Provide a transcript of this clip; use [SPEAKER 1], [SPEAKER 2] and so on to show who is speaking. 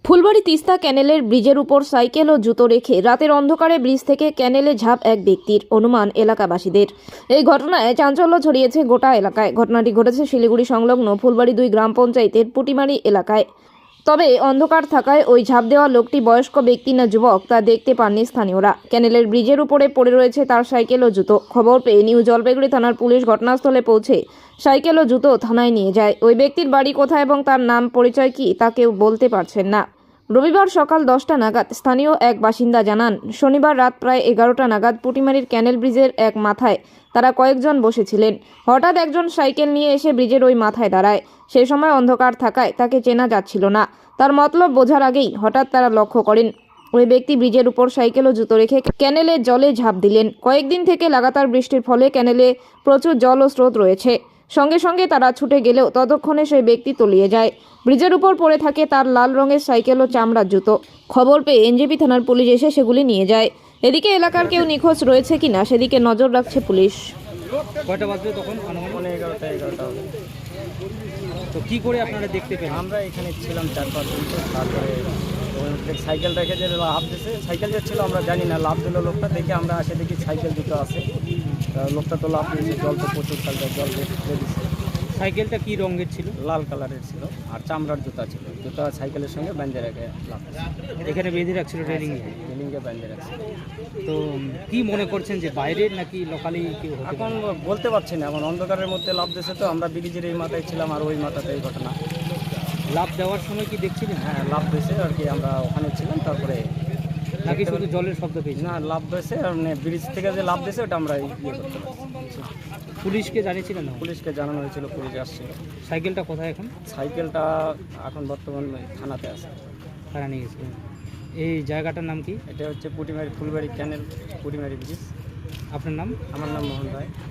[SPEAKER 1] ফুলবাড়ী তিস্তা ক্যানেলের ব্রিজের উপর সাইকেল ও জুতো রেখে রাতের অন্ধকারে ব্রিজ থেকে ক্যানেলে ঝাঁপ এক ব্যক্তির, অনুমান এলাকাবাসীদের। এই ঘটনায় চাঞ্চল্য ছড়িয়েছে গোটা এলাকায়। ঘটনাটি ঘটেছে শিলিগুড়ি সংলগ্ন ফুলবাড়ী 2 গ্রাম পঞ্চায়েতের পুটিমারি এলাকায়। তবে অন্ধকার থাকায় ওই ঝাঁপ দেওয়া লোকটি বয়স্ক ব্যক্তি না যুবক তা দেখতে পাননি স্থানীয়রা। ক্যানেলের ব্রিজের উপরে পড়ে রয়েছে তার সাইকেল ও জুতো। খবর পেয়ে নিউ জলপাইগুড়ি থানার পুলিশ ঘটনাস্থলে পৌঁছে সাইকেল ও জুতো থানায় নিয়ে যায়। ওই ব্যক্তির বাড়ি কোথায় এবং তার নাম পরিচয় কি তা কেউ বলতে পারছেন না। রবিবার সকাল 10টা নাগাদ স্থানীয় এক বাসিন্দা জানান, শনিবার রাত প্রায় 11টা নাগাদ পুটিমারির ক্যানেল ব্রিজের এক মাথায় তারা কয়েকজন বসেছিলেন। হঠাৎ একজন সাইকেল নিয়ে এসে ব্রিজের ওই মাথায় দাঁড়ায়। সেই সময় অন্ধকার থাকায় তাকে চেনা যাচ্ছিল না। তার মতলব বোঝার আগেই হঠাৎ তারা লক্ষ্য করেন ওই ব্যক্তি ব্রিজের উপর সাইকেল ও জুতো রেখে ক্যানেলের জলে ঝাঁপ দিলেন। কয়েকদিন থেকে লাগাতার বৃষ্টির ফলে ক্যানেলে প্রচুর জল ও স্রোত রয়েছে। সঙ্গে সঙ্গে তারা ছুটে গেলেও ততক্ষণে সেই ব্যক্তি তলিয়ে যায়। ব্রিজের উপর পড়ে থাকে তার লাল রঙের সাইকেল ও চামড়ার জুতো। খবর পেয়ে এনজেপি থানার পুলিশ এসে সেগুলি নিয়ে যায়। এদিকে এলাকার কেউ নিখোঁজ রয়েছে কিনা সেদিকে নজর রাখছে পুলিশ।
[SPEAKER 2] কয়টা বাজবে তখন?
[SPEAKER 3] মানে 11টা হবে।
[SPEAKER 2] তো কি করে আপনারা দেখতে পেলেন?
[SPEAKER 3] আমরা এখানে ছিলাম 4-5 জন। তো তারপরে সাইকেল রেখে যে লাভ দিছে, সাইকেল যে ছিল আমরা জানি না, লাভ দিল লোকটা, দেখে আমরা আসে দেখি সাইকেল দুটো আছে। লোকটা তো লাভ দিয়েছে, জল তো প্রচুর কালকে জল ফেলে দিচ্ছে।
[SPEAKER 2] সাইকেলটা কি রঙের ছিল?
[SPEAKER 3] লাল কালারের ছিল আর চামড়ার জুতা ছিল। জুতা সাইকেলের সঙ্গে বেঁধে রেখে লাভ
[SPEAKER 2] এখানে বেঁধে রাখছিল ট্রেনিংয়ে।
[SPEAKER 3] রেলিংয়ে বেঁধে রাখছে।
[SPEAKER 2] তো কি মনে করছেন যে বাইরের নাকি লোকালি কেউ হতে
[SPEAKER 3] এখন
[SPEAKER 2] পারে?
[SPEAKER 3] বলতে পারছি না, এখন অন্ধকারের মধ্যে লাভ দিয়েছে। তো আমরা ব্রিজের এই মাথায় ছিলাম আর ওই মাথাতে এই ঘটনা।
[SPEAKER 2] লাভ দেওয়ার সময় কি দেখছিলেন?
[SPEAKER 3] হ্যাঁ, লাভ দিয়েছে আর কি, আমরা ওখানে ছিলাম। তারপরে
[SPEAKER 2] নাকি শুধু জলের শব্দ পেয়েছি?
[SPEAKER 3] না, লাভ দিয়েছে আর মানে ব্রিজ থেকে যে লাভ দিয়েছে ওটা আমরা করতে পারছি।
[SPEAKER 2] পুলিশকে জানিয়েছিলেন না?
[SPEAKER 3] পুলিশকে জানানো হয়েছিল, পুলিশ আসছিল।
[SPEAKER 2] সাইকেলটা কোথায় এখন?
[SPEAKER 3] সাইকেলটা এখন বর্তমানে থানাতে আছে।
[SPEAKER 2] তারা নিয়ে গেছিলেন। এই জায়গাটার নাম কি?
[SPEAKER 3] এটা হচ্ছে পুটিমারি ফুলবাড়ি ক্যানেল, পুটিমারি ব্রিজ।
[SPEAKER 2] আপনার নাম?
[SPEAKER 3] আমার নাম মোহন রায়।